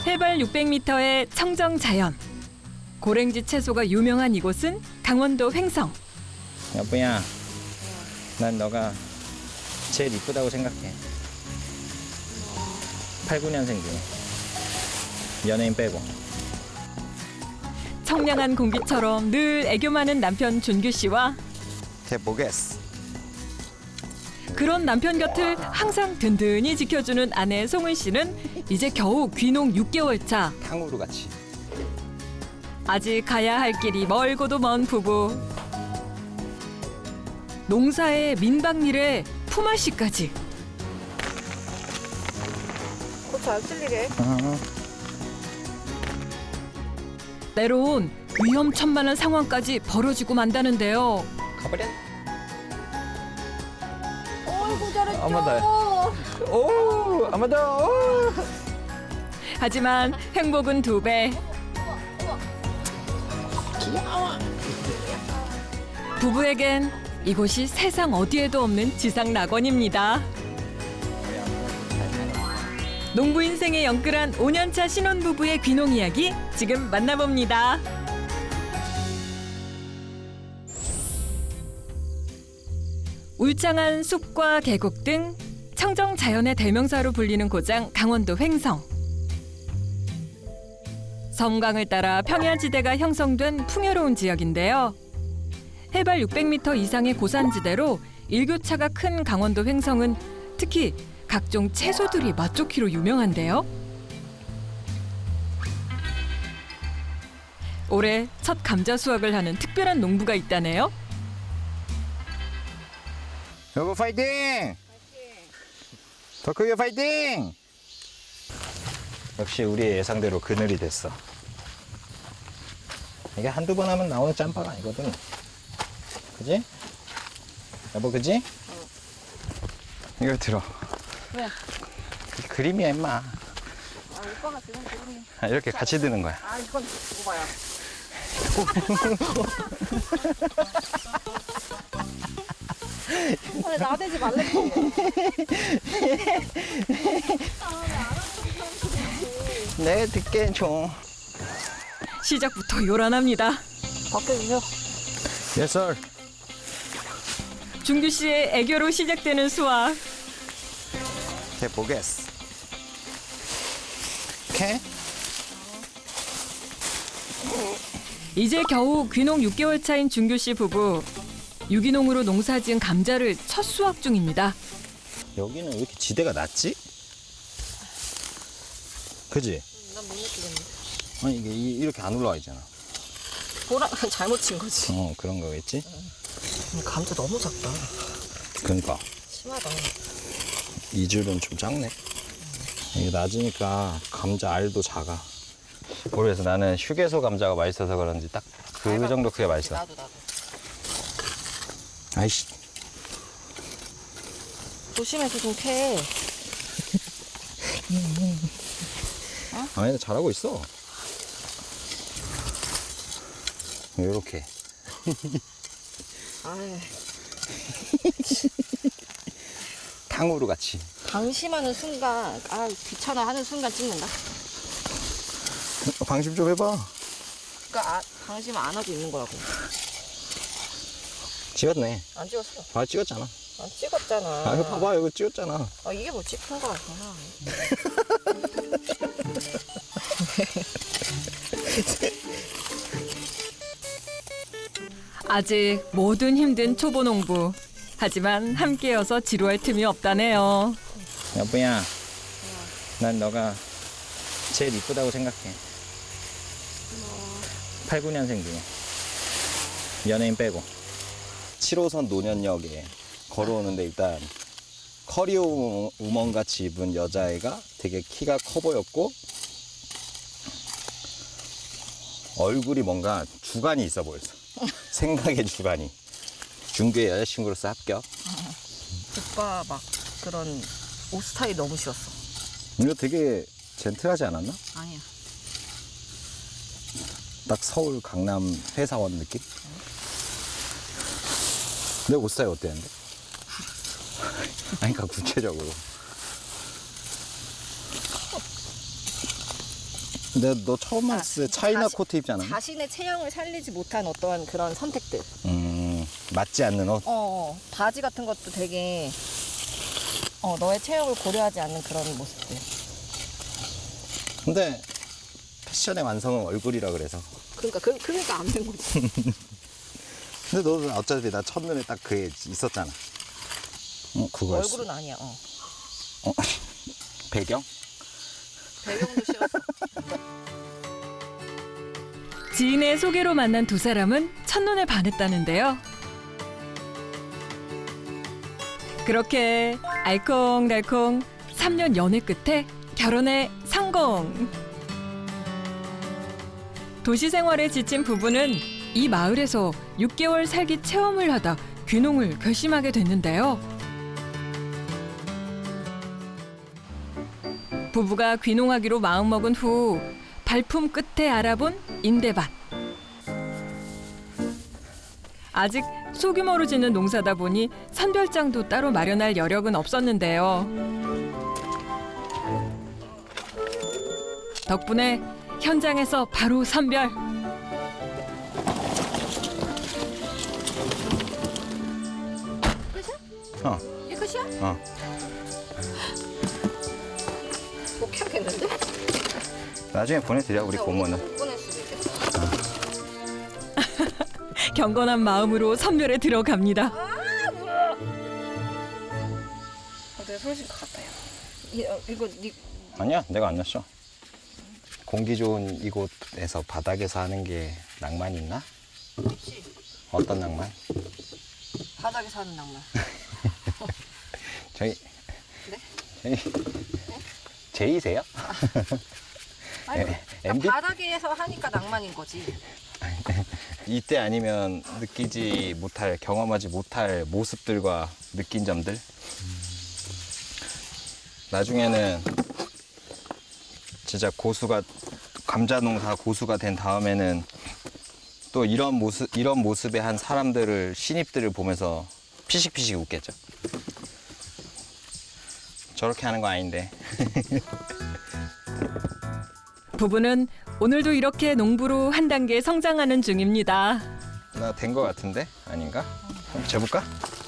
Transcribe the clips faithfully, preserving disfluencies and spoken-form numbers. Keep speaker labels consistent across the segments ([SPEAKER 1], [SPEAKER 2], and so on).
[SPEAKER 1] 해발 육백 미터의 청정 자연. 고랭지 채소가 유명한 이곳은 강원도 횡성.
[SPEAKER 2] 여보야, 난 너가 제일 이쁘다고 생각해. 팔구 년생 중에 연예인 빼고.
[SPEAKER 1] 청량한 공기처럼 늘 애교 많은 남편 준규 씨와
[SPEAKER 2] 해보겠어.
[SPEAKER 1] 그런 남편 곁을 항상 든든히 지켜주는 아내 송은 씨는 이제 겨우 귀농 육 개월 차.
[SPEAKER 2] 탕후루 같이.
[SPEAKER 1] 아직 가야 할 길이 멀고도 먼 부부. 농사에 민박일에 품앗이까지.
[SPEAKER 3] 고추 안 쓸리게.
[SPEAKER 2] 어.
[SPEAKER 1] 때론 위험천만한 상황까지 벌어지고 만다는데요.
[SPEAKER 2] 가버려.
[SPEAKER 3] 어이구 잘했죠.
[SPEAKER 2] 한번 더. 오, 한번 더. 오.
[SPEAKER 1] 하지만 행복은 두 배. 부부에겐 이곳이 세상 어디에도 없는 지상 낙원입니다. 농부 인생의 영끌한 오 년차 신혼부부의 귀농 이야기 지금 만나봅니다. 울창한 숲과 계곡 등 청정 자연의 대명사로 불리는 고장 강원도 횡성. 섬강을 따라 평야지대가 형성된 풍요로운 지역인데요. 해발 육백 미터 이상의 고산지대로 일교차가 큰 강원도 횡성은 특히 각종 채소들이 맛좋기로 유명한데요. 올해 첫 감자 수확을 하는 특별한 농부가 있다네요.
[SPEAKER 2] 여보 파이팅! 더 크게 파이팅! 역시 우리의 예상대로 그늘이 됐어. 이게 한두 번 하면 나오는 짬바가 아니거든. 그지? 여보 그지? 응. 이거 들어.
[SPEAKER 3] 왜?
[SPEAKER 2] 그 그림이야 임마.
[SPEAKER 3] 아 오빠가 지금 그림이.
[SPEAKER 2] 아, 이렇게 같이 드는 거야.
[SPEAKER 3] 아 이건 오빠야. 아, 왜 나대지 말랬지.
[SPEAKER 2] 네 듣게 좀.
[SPEAKER 1] 시작부터 요란합니다.
[SPEAKER 3] 바꿔주세요.
[SPEAKER 2] Yes sir.
[SPEAKER 1] 준규 씨의 애교로 시작되는 수확.
[SPEAKER 2] 해보겠어. 오케이?
[SPEAKER 1] 이제 겨우 귀농 육 개월 차인 준규 씨 부부. 유기농으로 농사지은 감자를 첫 수확 중입니다.
[SPEAKER 2] 여기는 왜 이렇게 지대가 낮지? 그지?
[SPEAKER 3] 난 못 느끼겠네.
[SPEAKER 2] 아니 이게 이- 이렇게 안 올라와 있잖아.
[SPEAKER 3] 보라 잘못 친 거지.
[SPEAKER 2] 어 그런 거겠지?
[SPEAKER 3] 감자 너무 작다.
[SPEAKER 2] 그러니까
[SPEAKER 3] 심하다.
[SPEAKER 2] 이 줄은 좀 작네. 이게 낮으니까 감자 알도 작아. 모르겠어. 나는 휴게소 감자가 맛있어서 그런지 딱 그 정도 크게 맛있어.
[SPEAKER 3] 나도 나도.
[SPEAKER 2] 아이씨.
[SPEAKER 3] 조심해서 좀 캐.
[SPEAKER 2] 아니 잘하고 있어. 요렇게.
[SPEAKER 3] 아이
[SPEAKER 2] 탕후루 같이.
[SPEAKER 3] 방심하는 순간, 아 귀찮아 하는 순간 찍는다.
[SPEAKER 2] 방심 좀 해봐.
[SPEAKER 3] 그러니까 아, 방심 안 하고 있는 거라고.
[SPEAKER 2] 찍었네.
[SPEAKER 3] 안 찍었어.
[SPEAKER 2] 봐 찍었잖아.
[SPEAKER 3] 안 찍었잖아.
[SPEAKER 2] 아 이거 봐봐 이거 찍었잖아.
[SPEAKER 3] 아, 이게 뭐 찍힌 거야.
[SPEAKER 1] 아직 뭐든 힘든 초보 농부. 하지만 함께여서 지루할 틈이 없다네요.
[SPEAKER 2] 여보야, 난 너가 제일 이쁘다고 생각해. 팔구 년생 중에 연예인 빼고. 칠 호선 노년역에 걸어오는데 일단 커리어 우먼 같이 입은 여자애가 되게 키가 커 보였고 얼굴이 뭔가 주관이 있어 보였어. 생각의 주관이. 준규의 여자친구로서 합격.
[SPEAKER 3] 오빠 막 그런 옷 스타일 너무 싫었어.
[SPEAKER 2] 이거 되게 젠틀하지 않았나?
[SPEAKER 3] 아니야.
[SPEAKER 2] 딱 서울 강남 회사원 느낌? 내 옷 스타일 어땠는데? 아니, 그러니까 구체적으로. 근데 너 처음 봤을 때 차이나
[SPEAKER 3] 자신-
[SPEAKER 2] 코트 입지 않았나?
[SPEAKER 3] 자신의 체형을 살리지 못한 어떠한 그런 선택들.
[SPEAKER 2] 음, 맞지 않는 옷.
[SPEAKER 3] 어, 어, 바지 같은 것도 되게 어, 너의 체형을 고려하지 않는 그런 모습들.
[SPEAKER 2] 근데 패션의 완성은 얼굴이라 그래서.
[SPEAKER 3] 그러니까 그, 그러니까 안 된 거지.
[SPEAKER 2] 근데 너는 어차피 나 첫눈에 딱 그게 있었잖아. 어, 그거였어.
[SPEAKER 3] 얼굴은 아니야. 어.
[SPEAKER 2] 어? 배경?
[SPEAKER 3] 배경도 싫었어.
[SPEAKER 1] 지인의 소개로 만난 두 사람은 첫눈에 반했다는데요. 그렇게 알콩달콩 삼 년 연애 끝에 결혼에 성공. 도시 생활에 지친 부부는 이 마을에서 육 개월 살기 체험을 하다 귀농을 결심하게 됐는데요. 부부가 귀농하기로 마음먹은 후 발품 끝에 알아본 인대밭. 아직 소규모로 짓는 농사다 보니 선별장도 따로 마련할 여력은 없었는데요. 덕분에 현장에서 바로 선별.
[SPEAKER 2] 어,
[SPEAKER 3] 이게 끝이야?
[SPEAKER 2] 어.
[SPEAKER 3] 못 켜겠는데?
[SPEAKER 2] 나중에 보내드려, 우리 고모는.
[SPEAKER 3] 못 보낼 수도 있겠어.
[SPEAKER 1] 경건한 마음으로 선별에 들어갑니다.
[SPEAKER 3] 어, 내가 소리질 것 같아요. 이, 어, 이거 니
[SPEAKER 2] 아니야, 내가 안 났어. 공기 좋은 이곳에서 바닥에서 하는 게 낭만이 있나?
[SPEAKER 3] 혹시
[SPEAKER 2] 어떤 낭만?
[SPEAKER 3] 바닥에 사는 낭만.
[SPEAKER 2] 저희,
[SPEAKER 3] 네?
[SPEAKER 2] 저희, 제이세요?
[SPEAKER 3] 아니,
[SPEAKER 2] 에,
[SPEAKER 3] 그러니까
[SPEAKER 2] 엠비?
[SPEAKER 3] 바닥에서 하니까 낭만인 거지.
[SPEAKER 2] 이때 아니면 느끼지 못할, 경험하지 못할 모습들과 느낀 점들. 나중에는 진짜 고수가, 감자 농사 고수가 된 다음에는 또 이런 모습, 이런 모습의 한 사람들을, 신입들을 보면서 피식피식 웃겠죠. 저렇게 하는 거 아닌데.
[SPEAKER 1] 부부는 오늘도 이렇게 농부로 한 단계 성장하는 중입니다.
[SPEAKER 2] 나 된 거 같은데? 아닌가? 한번 재볼까?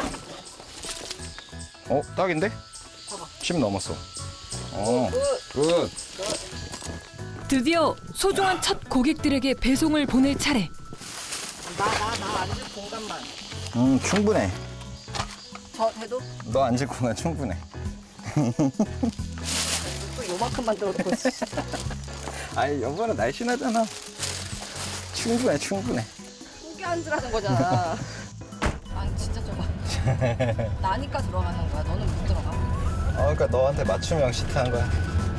[SPEAKER 2] 어, 딱인데?
[SPEAKER 3] 봐봐.
[SPEAKER 2] 십 넘었어. 어,
[SPEAKER 3] 굿.
[SPEAKER 2] 굿.
[SPEAKER 1] 드디어 소중한 첫 고객들에게 배송을 보낼 차례.
[SPEAKER 3] 나, 나, 나 앉을 공간만.
[SPEAKER 2] 음, 충분해.
[SPEAKER 3] 저 해도
[SPEAKER 2] 너 앉을 공간 충분해.
[SPEAKER 3] 또 요만큼 만들어놓고 있어.
[SPEAKER 2] 아이, 여보는 날씬하잖아. 충분해, 충분해.
[SPEAKER 3] 크게 앉으라는 거잖아. 아니 진짜 좁아. 나니까 들어가는 거야. 너는 못 들어가.
[SPEAKER 2] 어, 그러니까 너한테 맞춤형 시트한 거야.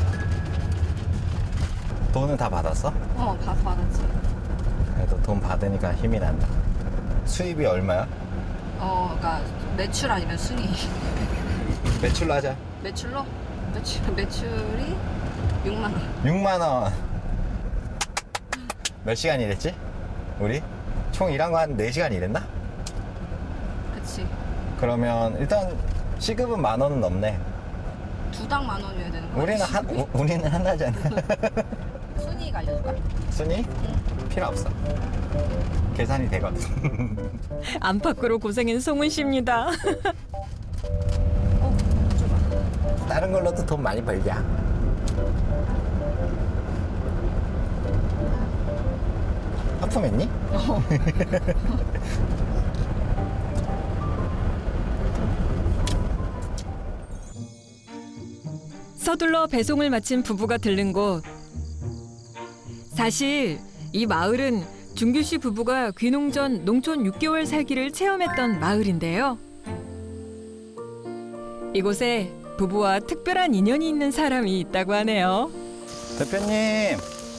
[SPEAKER 2] 돈은 다 받았어?
[SPEAKER 3] 어, 다 받았지.
[SPEAKER 2] 그래도 돈 받으니까 힘이 난다. 수입이 얼마야?
[SPEAKER 3] 어, 그러니까 매출 아니면 순위.
[SPEAKER 2] 매출로 하자.
[SPEAKER 3] 매출로? 매출 매출이 육만 원.
[SPEAKER 2] 육만 원. 몇 시간 일했지? 우리? 총 일한 거 한 네 시간 일했나?
[SPEAKER 3] 그치.
[SPEAKER 2] 그러면 일단 시급은 만 원은 넘네.
[SPEAKER 3] 두당 만 원이어야 되는 거야.
[SPEAKER 2] 우리는 한 우, 우리는 하나잖아.
[SPEAKER 3] 순위가 알려줄까?
[SPEAKER 2] 순위? 필요 없어. 계산이 되거든.
[SPEAKER 1] 안팎으로 고생인 송은 씨입니다.
[SPEAKER 3] 어, 좁아.
[SPEAKER 2] 다른 걸로도 돈 많이 벌자. 하품했니?
[SPEAKER 1] 서둘러 배송을 마친 부부가 들른 곳. 사실 이 마을은 준규 씨 부부가 귀농 전 농촌 육 개월 살기를 체험했던 마을인데요. 이곳에 부부와 특별한 인연이 있는 사람이 있다고 하네요.
[SPEAKER 2] 대표님,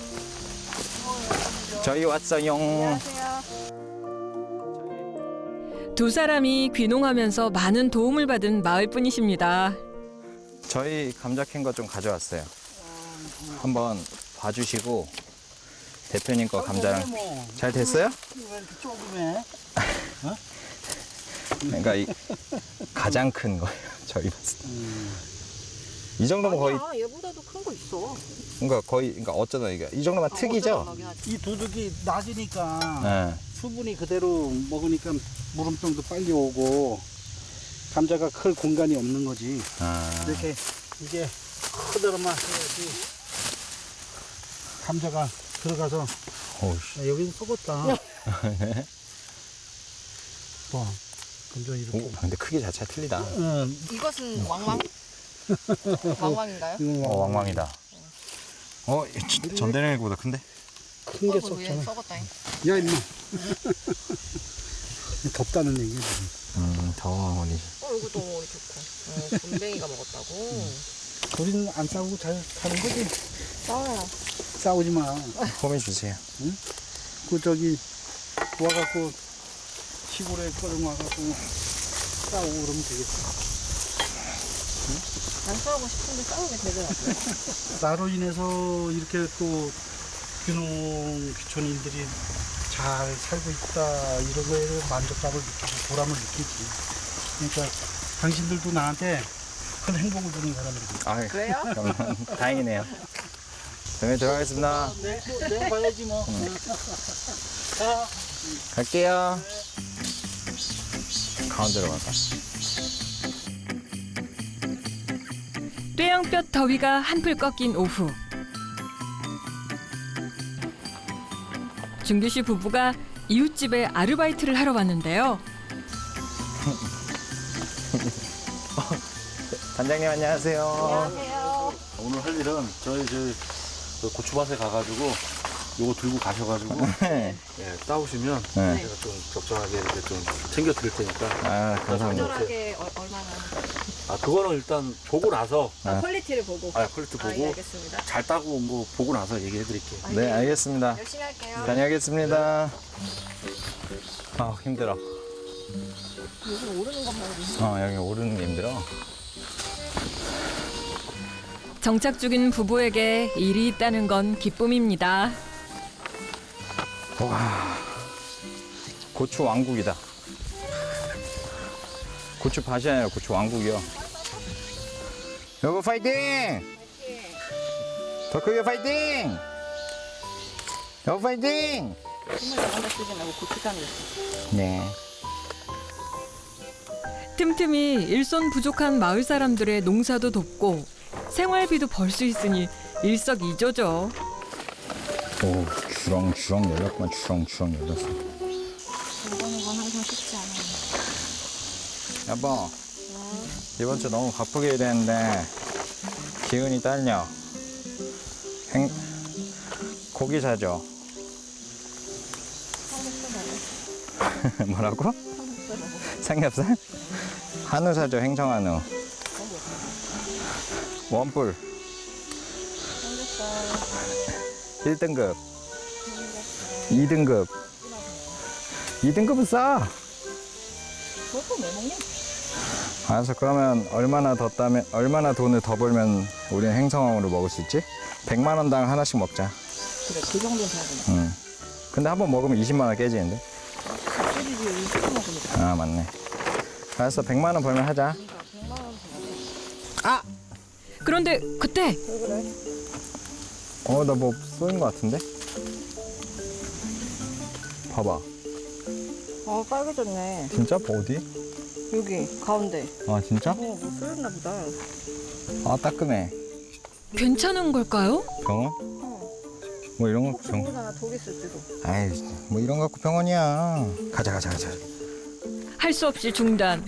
[SPEAKER 2] 저희 왔어요.
[SPEAKER 3] 안녕하세요.
[SPEAKER 1] 두 사람이 귀농하면서 많은 도움을 받은 마을뿐이십니다.
[SPEAKER 2] 저희 감자 캔 거 좀 가져왔어요. 한번 봐주시고 대표님 거 감자랑 잘 됐어요?
[SPEAKER 4] 왜 이렇게 조그매?
[SPEAKER 2] 그러니까 이 가장 큰 거예요. 저희 봤을 때. 이 정도면 거의
[SPEAKER 3] 아니야, 얘보다도 큰 거 있어.
[SPEAKER 2] 그러니까 거의 그러니까 어쩌다 이게 이 정도면 특이죠.
[SPEAKER 4] 이 도둑이 낮으니까
[SPEAKER 2] 네.
[SPEAKER 4] 수분이 그대로 먹으니까 물음병도 빨리 오고 감자가 클 공간이 없는 거지.
[SPEAKER 2] 아.
[SPEAKER 4] 이렇게 이게 그대로만 해야지 감자가 들어가서.
[SPEAKER 2] 오우씨.
[SPEAKER 4] 야, 여기는 썩었다. 와, 감자 이렇게.
[SPEAKER 2] 오, 근데 크기 자체가 틀리다.
[SPEAKER 4] 응,
[SPEAKER 3] 이것은 왕왕? 왕왕인가요?
[SPEAKER 4] 이건
[SPEAKER 2] 어, 왕왕이다. 어, 진짜 전대령보다 큰데?
[SPEAKER 4] 큰 게
[SPEAKER 3] 썩은 위에
[SPEAKER 4] 썩잖아.
[SPEAKER 3] 썩었다잉.
[SPEAKER 4] 야, 임마. 덥다는 얘기야, 지금.
[SPEAKER 2] 음, 더워 어머니.
[SPEAKER 3] 어, 이것도 어머니 좋고. 어, 곰뱅이가 먹었다고.
[SPEAKER 4] 우리는 안 싸우고 잘 사는 거지.
[SPEAKER 3] 싸워요.
[SPEAKER 4] 싸우지 마.
[SPEAKER 2] 홈해 주세요.
[SPEAKER 4] 그 저기 와갖고 시골에 꺼져 와갖고 싸우고 그러면 되겠어.
[SPEAKER 3] 난 싸우고 싶은데 싸우게 되더라고요.
[SPEAKER 4] 나로 인해서 이렇게 또 귀농 귀촌인들이 잘 살고 있다 이런 거에 만족감을 느끼고 보람을 느끼지. 그러니까 당신들도 나한테 큰 행복을 주는 사람들이.
[SPEAKER 2] 아,
[SPEAKER 3] 그래요?
[SPEAKER 2] 그러면 다행이네요. 그러면 들어가겠습니다.
[SPEAKER 4] 내, 내가 봐야지 뭐. 자.
[SPEAKER 2] 갈게요. 가운데로 갈까?
[SPEAKER 1] 뙤양볕 더위가 한풀 꺾인 오후. 준규 씨 부부가 이웃집에 아르바이트를 하러 왔는데요.
[SPEAKER 2] 단장님 안녕하세요.
[SPEAKER 3] 안녕하세요.
[SPEAKER 5] 오늘 할 일은 저희 저 고추밭에 가가지고 요거 들고 가셔가지고
[SPEAKER 2] 네.
[SPEAKER 5] 예, 따오시면
[SPEAKER 2] 네.
[SPEAKER 5] 제가 좀 적절하게 이렇게 좀 챙겨 드릴 테니까.
[SPEAKER 2] 아, 감사합니다.
[SPEAKER 3] 적절하게 어, 얼마나
[SPEAKER 5] 아 그거는 일단 보고 나서
[SPEAKER 3] 아, 퀄리티를 보고.
[SPEAKER 5] 아 퀄리티
[SPEAKER 3] 아, 예,
[SPEAKER 5] 보고
[SPEAKER 3] 알겠습니다.
[SPEAKER 5] 잘 따고 온 거 보고 나서 얘기해 드릴게요.
[SPEAKER 3] 아,
[SPEAKER 2] 네,
[SPEAKER 3] 예.
[SPEAKER 2] 알겠습니다.
[SPEAKER 3] 열심히 할게요.
[SPEAKER 2] 다녀오겠습니다. 아, 힘들어.
[SPEAKER 3] 여기 오르는 것만 해도.
[SPEAKER 2] 어, 여기 오르는 게 힘들어.
[SPEAKER 1] 정착 중인 부부에게 일이 있다는 건 기쁨입니다.
[SPEAKER 2] 와, 고추 왕국이다. 고추 밭이 아니라 고추 왕국이요. 여보 파이팅! 더 크게 파이팅! 여보 파이팅!
[SPEAKER 3] 정말 잘한다 쓰지 말고 고추장을 넣었어.
[SPEAKER 2] 네.
[SPEAKER 1] 틈틈이 일손 부족한 마을 사람들의 농사도 돕고 생활비도 벌 수 있으니 일석이조죠.
[SPEAKER 2] 오, 주렁주렁 열렸구만. 주렁주렁 열렸어.
[SPEAKER 3] 이거는 건 항상 쉽지 않아요.
[SPEAKER 2] 여보, 이번 주 너무 바쁘게 해야 되는데 기운이 딸려. 행... 고기 사줘. 뭐라고? 삼겹살? 한우 사줘. 행정한우. 원뿔. 일 등급. 이 등급. 이 등급은 싸.
[SPEAKER 3] 그것도 왜 먹냐?
[SPEAKER 2] 알았어. 그러면 얼마나 더 따면, 얼마나 돈을 더 벌면 우리는 행성왕으로 먹을 수 있지? 백만 원당 하나씩 먹자.
[SPEAKER 3] 그래, 그 정도는 돼야 되나?
[SPEAKER 2] 응. 근데 한 번 먹으면 이십만 원 깨지는데?
[SPEAKER 3] 소리지 이십 분 먹으니까.
[SPEAKER 2] 아, 맞네. 알았어. 백만 원 벌면 하자.
[SPEAKER 3] 백만 원 돼야
[SPEAKER 2] 아!
[SPEAKER 1] 그런데 그때
[SPEAKER 3] 돼. 왜 그래?
[SPEAKER 2] 어, 나 뭐 쏘인 것 같은데? 봐봐.
[SPEAKER 3] 아, 빨개졌네.
[SPEAKER 2] 진짜? 어디?
[SPEAKER 3] 여기, 가운데.
[SPEAKER 2] 아, 진짜?
[SPEAKER 3] 어, 뭐 쏠렸나 보다.
[SPEAKER 2] 아, 따끔해.
[SPEAKER 1] 괜찮은 걸까요?
[SPEAKER 2] 병원? 뭐 이런 거
[SPEAKER 3] 혹시
[SPEAKER 2] 병원?
[SPEAKER 3] 모르잖아, 독 있을지도.
[SPEAKER 2] 아이, 뭐 이런 거 갖고 병원이야. 가자, 가자, 가자.
[SPEAKER 1] 할 수 없이 중단.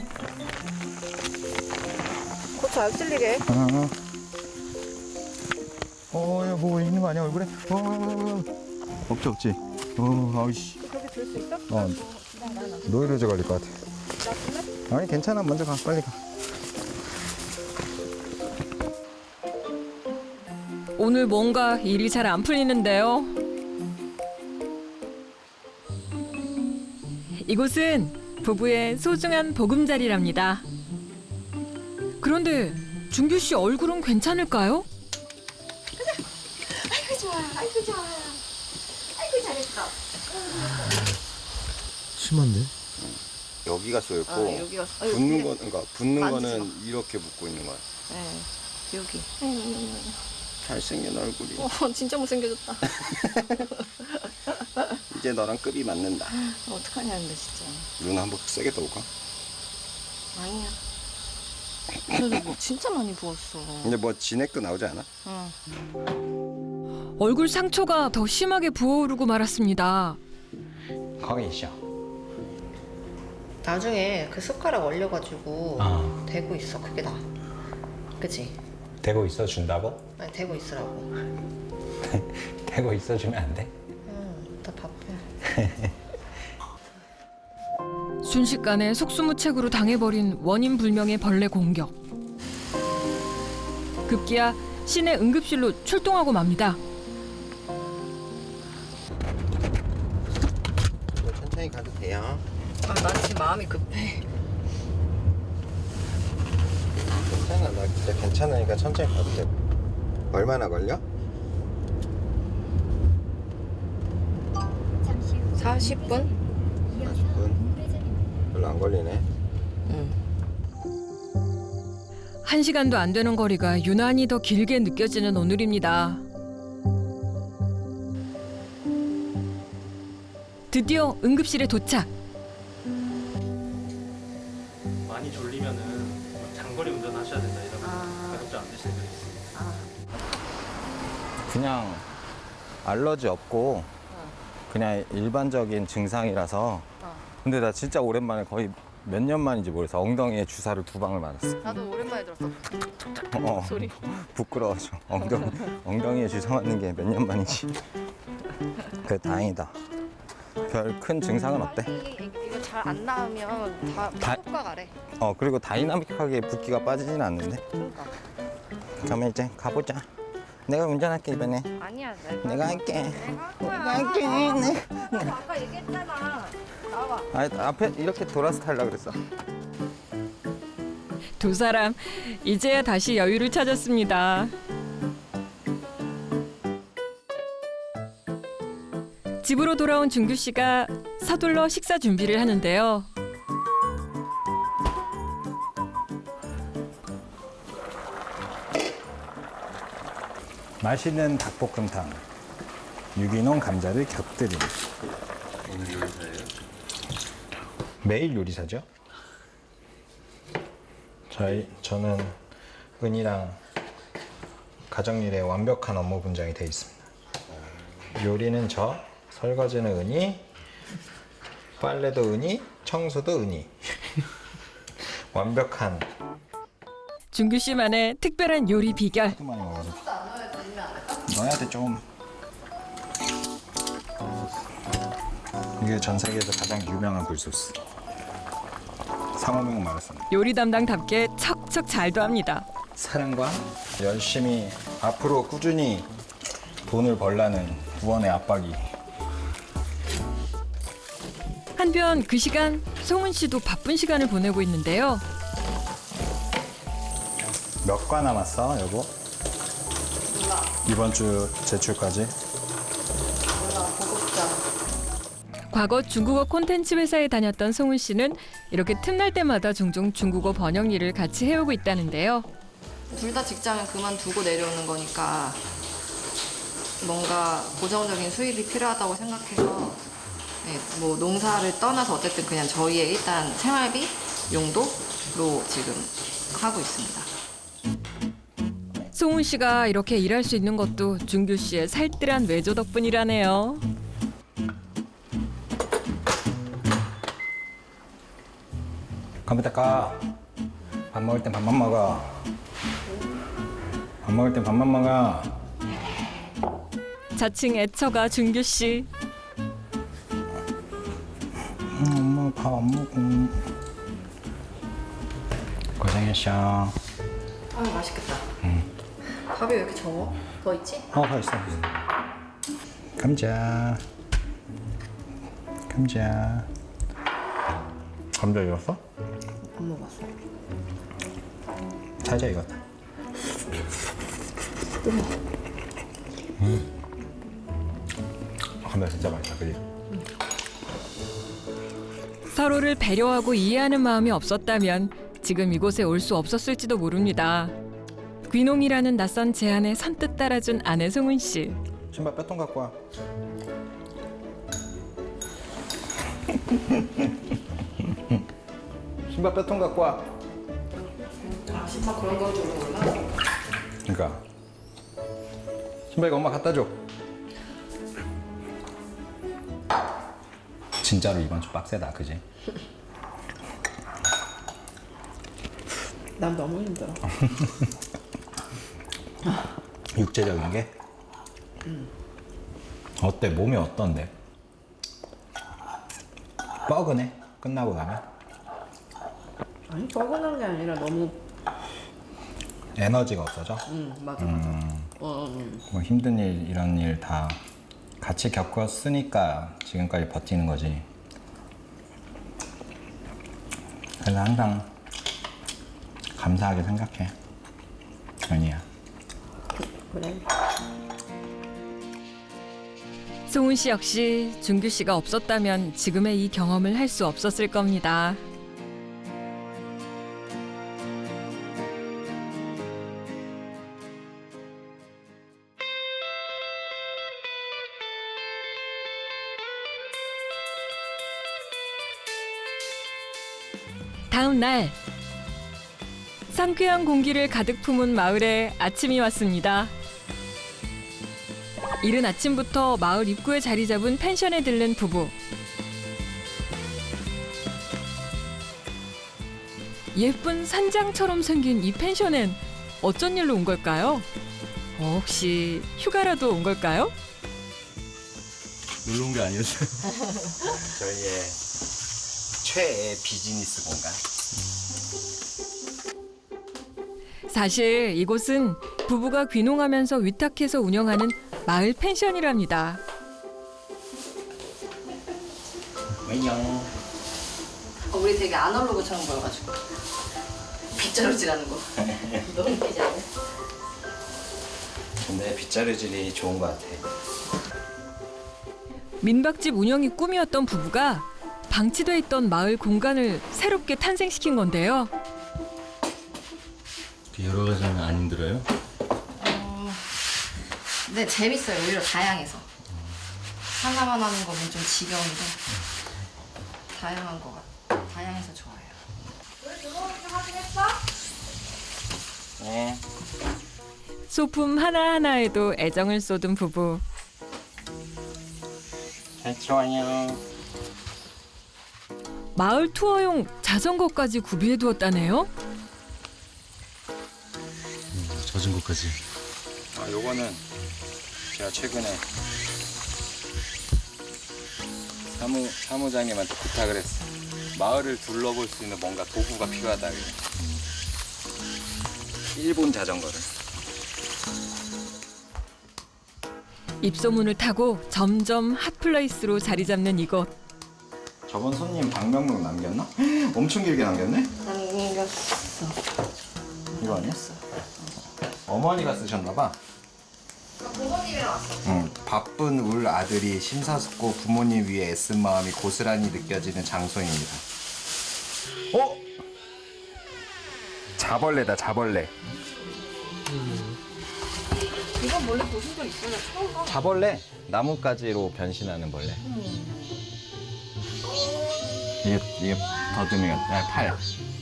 [SPEAKER 3] 고추 안 쓸리게.
[SPEAKER 2] 어, 어, 야, 뭐 있는 거 아니야, 얼굴에? 어, 어, 어. 없지, 없지. 어, 아이씨.
[SPEAKER 3] 그렇게 들 수 있어?
[SPEAKER 2] 어,
[SPEAKER 3] 그냥 나는.
[SPEAKER 2] 노이로제 걸릴 것 같아.
[SPEAKER 3] 나 쓸래?
[SPEAKER 2] 아니, 괜찮아. 먼저 가, 빨리 가.
[SPEAKER 1] 오늘 뭔가 일이 잘 안 풀리는데요. 이곳은 부부의 소중한 보금자리랍니다. 그런데 준규 씨 얼굴은 괜찮을까요?
[SPEAKER 3] 아이고, 좋아. 아이고, 좋아. 아이고, 잘했어.
[SPEAKER 5] 심한데?
[SPEAKER 2] 여기가 쏘였고,
[SPEAKER 3] 아, 여기가. 아, 여기
[SPEAKER 2] 붓는
[SPEAKER 3] 그냥-
[SPEAKER 2] 거, 그러니까 붓는
[SPEAKER 3] 만지지
[SPEAKER 2] 거는 이렇게 붓고 있는 거야.
[SPEAKER 3] 네, 여기.
[SPEAKER 2] 잘생긴 얼굴이.
[SPEAKER 3] 어, 진짜 못생겨졌다.
[SPEAKER 2] 이제 너랑 급이 맞는다.
[SPEAKER 3] 어떡하냐 근데 진짜.
[SPEAKER 2] 누나 한번 세게 떠올까?
[SPEAKER 3] 아니야. 그래도 뭐 진짜 많이 부었어.
[SPEAKER 2] 근데 뭐 진액도 나오지 않아?
[SPEAKER 3] 응.
[SPEAKER 1] 얼굴 상처가 더 심하게 부어오르고 말았습니다.
[SPEAKER 2] 거기 있어.
[SPEAKER 3] 나중에 그 숟가락 얼려가지고
[SPEAKER 2] 아.
[SPEAKER 3] 대고 있어. 그게 나. 그치?
[SPEAKER 2] 대고 있어 준다고?
[SPEAKER 3] 아니 대고 있으라고.
[SPEAKER 2] 대고 있어 주면 안 돼?
[SPEAKER 3] 응. 나 바빠.
[SPEAKER 1] 순식간에 속수무책으로 당해버린 원인 불명의 벌레 공격. 급기야 시내 응급실로 출동하고 맙니다.
[SPEAKER 2] 천천히 가도 돼요.
[SPEAKER 3] 아, 난 지금 마음이 급해.
[SPEAKER 2] 괜찮아, 나 진짜 괜찮으니까 천천히 가도 돼. 얼마나 걸려?
[SPEAKER 3] 사십 분?
[SPEAKER 2] 사십 분. 별로 안 걸리네.
[SPEAKER 3] 응.
[SPEAKER 1] 한 시간도 안 되는 거리가 유난히 더 길게 느껴지는 오늘입니다. 드디어 응급실에 도착.
[SPEAKER 6] 많이 졸리면은 장거리 운전하셔야 된다 이러면
[SPEAKER 3] 아.
[SPEAKER 6] 가급적 안 드시는 분이 있습니다.
[SPEAKER 3] 아.
[SPEAKER 2] 그냥 알러지 없고 그냥 일반적인 증상이라서.
[SPEAKER 3] 어.
[SPEAKER 2] 근데 나 진짜 오랜만에 거의 몇 년 만인지 모르겠어. 엉덩이에 주사를 두 방을 맞았어.
[SPEAKER 3] 나도 오랜만에 들었어.
[SPEAKER 2] 어,
[SPEAKER 3] 소리.
[SPEAKER 2] 부끄러워서 엉덩이, 엉덩이에 주사 맞는 게 몇 년 만인지. 그래 다행이다. 별 큰 증상은 없대.
[SPEAKER 3] 이거 잘 안 나으면 다
[SPEAKER 2] 다-
[SPEAKER 3] 효과가래.
[SPEAKER 2] 어 그리고 다이나믹하게 붓기가 빠지진 않는데.
[SPEAKER 3] 그러니까.
[SPEAKER 2] 그러면 이제 가보자. 내가 운전할게 이번에.
[SPEAKER 3] 아니야, 내가.
[SPEAKER 2] 내가 할게.
[SPEAKER 3] 내가
[SPEAKER 2] 내가 할게. 네.
[SPEAKER 3] 너 아까 얘기했잖아. 나와.
[SPEAKER 2] 아 앞에 이렇게 돌아서 타려고 그랬어.
[SPEAKER 1] 두 사람 이제야 다시 여유를 찾았습니다. 집으로 돌아온 준규 씨가 서둘러 식사 준비를 하는데요.
[SPEAKER 2] 맛있는 닭볶음탕. 유기농 감자를 곁들임.
[SPEAKER 5] 오늘 요리사예요?
[SPEAKER 2] 매일 요리사죠? 저희 저는 은이랑 가정일에 완벽한 업무 분장이 돼 있습니다. 요리는 저, 설거지는 은이, 빨래도 은이, 청소도 은이. 완벽한.
[SPEAKER 1] 준규 씨만의 특별한 요리 비결.
[SPEAKER 2] 하도 많이 먹어서. 넣어야 돼 좀. 이게 전 세계에서 가장 유명한 굴소스. 상호명 말했습니다.
[SPEAKER 1] 요리 담당답게 척척 잘도 합니다.
[SPEAKER 2] 사랑과 열심히 앞으로 꾸준히 돈을 벌라는 부원의 압박이.
[SPEAKER 1] 한편 그 시간 송은 씨도 바쁜 시간을 보내고 있는데요.
[SPEAKER 2] 몇 과 남았어, 여보?
[SPEAKER 3] 몰라.
[SPEAKER 2] 이번 주 제출까지?
[SPEAKER 3] 몰라. 보고싶잖아.
[SPEAKER 1] 과거 중국어 콘텐츠 회사에 다녔던 송은 씨는 이렇게 틈날 때마다 종종 중국어 번역 일을 같이 해오고 있다는데요.
[SPEAKER 3] 둘 다 직장을 그만두고 내려오는 거니까 뭔가 고정적인 수입이 필요하다고 생각해서 네, 뭐 농사를 떠나서 어쨌든 그냥 저희의 일단 생활비 용도로 지금 하고 있습니다.
[SPEAKER 1] 송은 씨가 이렇게 일할 수 있는 것도 준규 씨의 살뜰한 외조 덕분이라네요.
[SPEAKER 2] 컴퓨터 꺼. 밥 먹을 땐 밥만 먹어. 밥 먹을 땐 밥만 먹어.
[SPEAKER 1] 자칭 애처가 준규 씨.
[SPEAKER 2] 음, 엄마 밥 안 먹어. 고생했어.
[SPEAKER 3] 아 맛있겠다. 밥이 왜 이렇게 적어? 더 있지?
[SPEAKER 2] 어, 가 있어. 있어. 감자. 감자. 감자 익었어?
[SPEAKER 3] 안 먹었어.
[SPEAKER 2] 살짝 익었다. 음. 감자 진짜 맛있다, 그지?
[SPEAKER 1] 서로를 배려하고 이해하는 마음이 없었다면 지금 이곳에 올 수 없었을지도 모릅니다. 귀농이라는 낯선 제안에 선뜻 따라준 아내 송은 씨.
[SPEAKER 2] 신발 빼통 갖고 와. 신발 빼통 갖고 와.
[SPEAKER 3] 아, 신발 그런 거 주는구나.
[SPEAKER 2] 그러니까 신발 이거 엄마 갖다 줘. 진짜로 이번 주 빡세다, 그지?
[SPEAKER 3] 난 너무 힘들어.
[SPEAKER 2] 육체적인 게? 어때? 몸이 어떤데? 뻐근해? 끝나고 가면?
[SPEAKER 3] 아니, 뻐근한 게 아니라 너무.
[SPEAKER 2] 에너지가 없어져?
[SPEAKER 3] 응, 맞아, 맞아. 어, 응.
[SPEAKER 2] 뭐 힘든 일, 이런 일 다 같이 겪었으니까 지금까지 버티는 거지. 그래서 항상 감사하게 생각해, 연희야.
[SPEAKER 3] 그래.
[SPEAKER 1] 송은 씨 역시 준규 씨가 없었다면 지금의 이 경험을 할 수 없었을 겁니다. 다음 날 상쾌한 공기를 가득 품은 마을에 아침이 왔습니다. 이른 아침부터 마을 입구에 자리 잡은 펜션에 들른 부부. 예쁜 산장처럼 생긴 이 펜션엔 어쩐 일로 온 걸까요? 어, 혹시 휴가라도 온 걸까요?
[SPEAKER 5] 놀러 온 게 아니었어요.
[SPEAKER 2] 저희의 최애 비즈니스 공간.
[SPEAKER 1] 사실 이곳은 부부가 귀농하면서 위탁해서 운영하는 마을 펜션이랍니다.
[SPEAKER 2] 안녕.
[SPEAKER 3] 어, 우리 되게 아날로그처럼 보여가지고. 빗자루질하는 거. 너무 웃기지 않아?
[SPEAKER 2] 근데 빗자루질이 좋은 것 같아.
[SPEAKER 1] 민박집 운영이 꿈이었던 부부가 방치돼 있던 마을 공간을 새롭게 탄생시킨 건데요.
[SPEAKER 5] 여러 가지 하면 안 힘들어요?
[SPEAKER 3] 네, 재밌어요. 오히려 다양해서. 하나만 하는 거면 좀 지겨운데 다양한 거 같아. 다양해서 좋아요.
[SPEAKER 2] 네.
[SPEAKER 1] 소품 하나하나에도 애정을 쏟은 부부.
[SPEAKER 2] 잘 들어와요.
[SPEAKER 1] 마을 투어용 자전거까지 구비해 두었다네요.
[SPEAKER 5] 젖은 것까지.
[SPEAKER 2] 아, 요거는 제가 최근에 사무, 사무장님한테 부탁을 했어. 마을을 둘러볼 수 있는 뭔가 도구가 필요하다. 그래. 일본 자전거를.
[SPEAKER 1] 입소문을 타고 점점 핫플레이스로 자리 잡는 이곳.
[SPEAKER 2] 저번 손님 방명록 남겼나? 엄청 길게 남겼네?
[SPEAKER 3] 남겼어.
[SPEAKER 2] 이거 아니야? 어머니가 쓰셨나봐.
[SPEAKER 3] 부모님이랑 왔어.
[SPEAKER 2] 응, 바쁜 울 아들이 심사숙고 부모님 위해 애쓴 마음이 고스란히 느껴지는 장소입니다. 어? 자벌레다, 자벌레.
[SPEAKER 3] 이건 원래 보신 적 있어요? 처음 봐.
[SPEAKER 2] 자벌레? 나뭇가지로 변신하는 벌레. 이게, 이게 더듬이가, 아, 팔.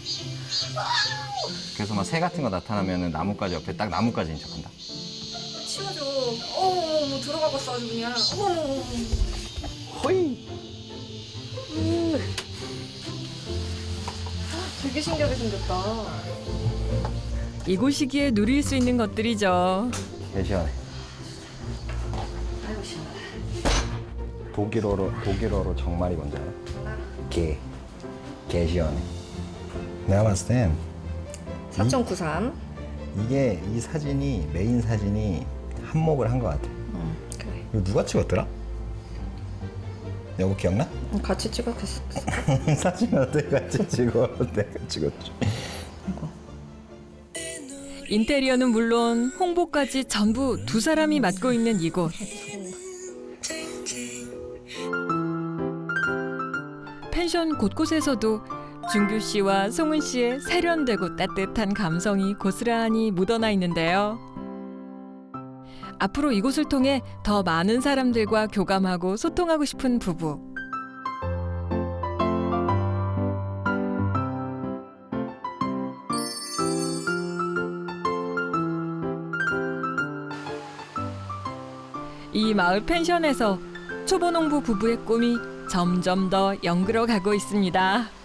[SPEAKER 2] 그래서 막 새 같은 거 나타나면 나뭇가지 옆에 딱 나뭇가지인 척한다.
[SPEAKER 3] 치워줘. 어머, 뭐 들어가봤어 아주 그냥. 어머.
[SPEAKER 2] 호이!
[SPEAKER 3] 되게 신기하게 생겼다.
[SPEAKER 1] 이곳이기에 누릴 수 있는 것들이죠.
[SPEAKER 2] 개 시원해.
[SPEAKER 3] 아이고 시원하다.
[SPEAKER 2] 독일어로, 독일어로 정말이 뭔지 알아? 개. 개 시원해. 내가 봤을 땐
[SPEAKER 3] 사 점 구삼.
[SPEAKER 2] 이게 이 사진이 메인 사진이 한몫을 한 것 같아.
[SPEAKER 3] 응, 그래.
[SPEAKER 2] 이거 누가 찍었더라? 여보 기억나?
[SPEAKER 3] 같이 찍었겠어.
[SPEAKER 2] 사진 어떻게 같이 찍어? 내가 찍었지.
[SPEAKER 1] 인테리어는 물론 홍보까지 전부 두 사람이 맡고 있는 이곳. 펜션 곳곳에서도 준규 씨와 송은 씨의 세련되고 따뜻한 감성이 고스란히 묻어나 있는데요. 앞으로 이곳을 통해 더 많은 사람들과 교감하고 소통하고 싶은 부부. 이 마을 펜션에서 초보농부 부부의 꿈이 점점 더 연그러 가고 있습니다.